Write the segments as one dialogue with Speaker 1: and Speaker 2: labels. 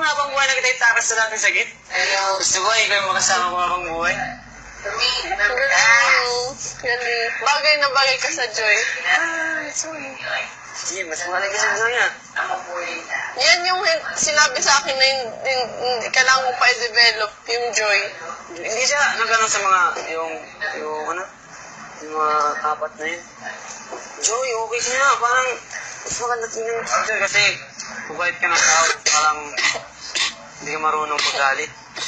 Speaker 1: bang habang buhay na kita itakas sa natin sagit? Gusto ko, ikaw yung makasama ko habang buhay.
Speaker 2: Galing. Bagay na bagay ka sa Joy.
Speaker 1: Sorry. Sige, mas mahalaga sa Joy ah.
Speaker 2: Yan yung sinabi sa akin na kailangan ko pa i-develop yung Joy.
Speaker 1: Hindi siya nagano sa mga, yung mga apat na yun. Joy, okay siya na. Parang, mas maganda tingnan si Joy kasi mabait ka ng tao. Parang, hindi ka marunong paggalit.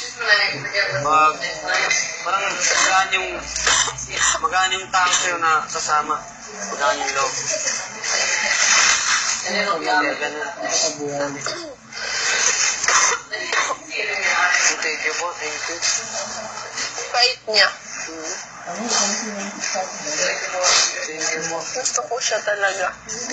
Speaker 1: Parang magaan yung tao sa'yo na kasama. Magaan yung loob. Ganun. Thank you po, thank you.
Speaker 2: Bait niya.
Speaker 1: Thank you po.
Speaker 2: Gusto ko siya talaga.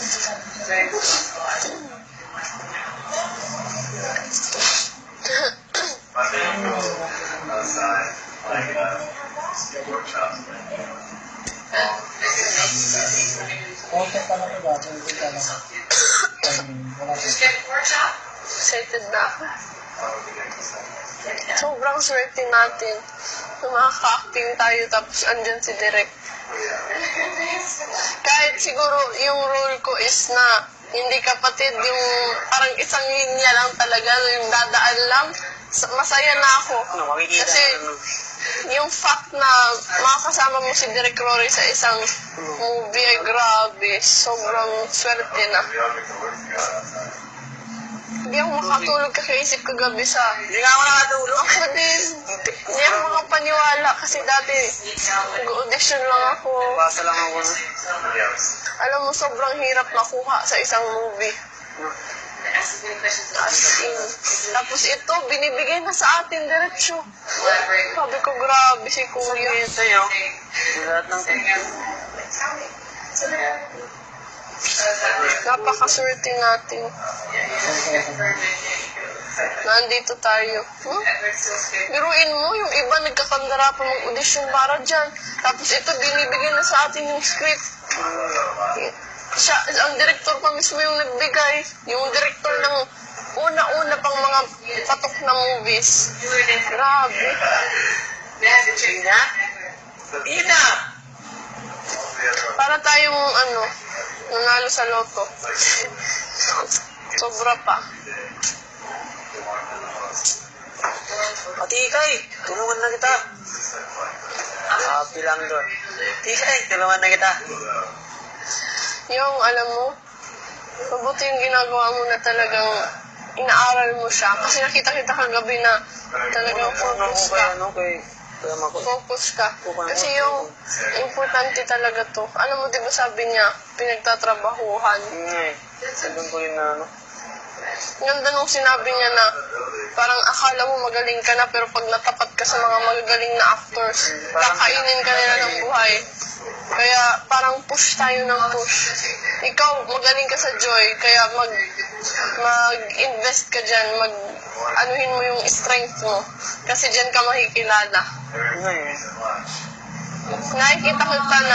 Speaker 2: Excited na ako. Sobrang swerte natin. Makaka-acting tayo tapos andyan si Direk. Kahit siguro yung role ko is na hindi kapatid, yung parang isang linya lang talaga, yung dadaan lang, masaya na ako. Kasi yung fact na makakasama mo si Direk Rory sa isang movie ay grabe, sobrang swerte na. Hindi ako makatulog kakaisip kagabi sa...
Speaker 1: Hindi nga ako nakatulog.
Speaker 2: Ako din. Hindi ako makapaniwala kasi dati nag-audition lang ako.
Speaker 1: Basa lang ako.
Speaker 2: Alam mo, sobrang hirap makuha sa isang movie. As in. Tapos ito, binibigay na sa atin diretsyo. Sabi ko, grabe si Kuya.
Speaker 1: Sabihin sa'yo, lahat ng
Speaker 2: Napakaswerte natin. Nandito tayo. Biruin mo, yung iba nagkakandara pa mag-audition para dyan. Tapos ito, binibigay na sa atin yung script. Siya, ang director pa mismo yung nagbigay. Yung director ng una-una pang mga patok na movies. Grabe.
Speaker 1: Ina!
Speaker 2: Para tayong nanalo sa loto. Sobra pa.
Speaker 1: Tikay, tulungan na kita. Happy lang doon. Tikay, tulungan na kita.
Speaker 2: Yung, alam mo, mabuti yung ginagawa mo na talagang inaaral mo siya. Kasi nakita-kita kagabi na talagang focus ka. Focus ka. Kasi yung importante talaga to. Alam mo, di ba sabi niya, pinagtatrabahuhan.
Speaker 1: Sabihin ko yun na
Speaker 2: Ganda nung sinabi niya na parang akala mo magaling ka na pero pag natapat ka sa mga magagaling na actors, kakainin ka nila ng buhay. Kaya parang push tayo ng push. Ikaw, magaling ka sa Joy, kaya mag-invest ka dyan, anuhin mo yung strength mo. Kasi dyan ka makikilala. Nakikita kita na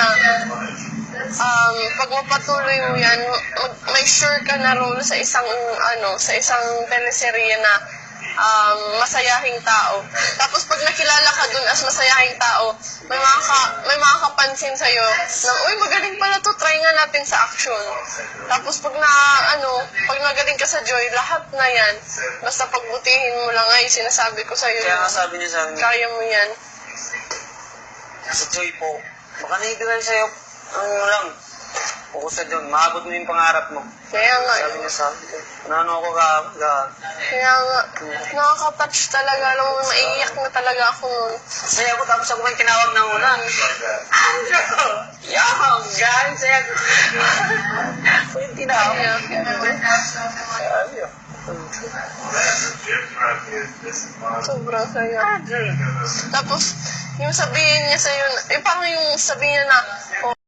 Speaker 2: pag mapatuloy mo yan, may sure ka na role sa isang teleserye na masayahing tao. Tapos pag nakilala ka dun as masayahing tao, may makakapansin sa'yo na, uy, magaling pala to, try nga natin sa action. Tapos pag magaling ka sa Joy, lahat na yan. Basta pagbutihin mo lang ay sinasabi ko sa'yo.
Speaker 1: Kaya nga sabi niya sa akin,
Speaker 2: kaya mo yan.
Speaker 1: Sa Joy po, baka naibigay sa'yo, lang, focus ka dyan, maabot mo yung pangarap mo.
Speaker 2: Kaya nga.
Speaker 1: Sabi niya sa akin, ako
Speaker 2: Kaya nga, nakaka-touch talaga. Alam mo, maiiyak na talaga ako nun.
Speaker 1: Saya ko, tapos ako may tinawag na una. Andrew! Yung! Galing saya ko. Ako yung tinawag.
Speaker 2: Sobrang saya. Tapos, yung sabihin niya sa'yo, parang yung sabihin niya na,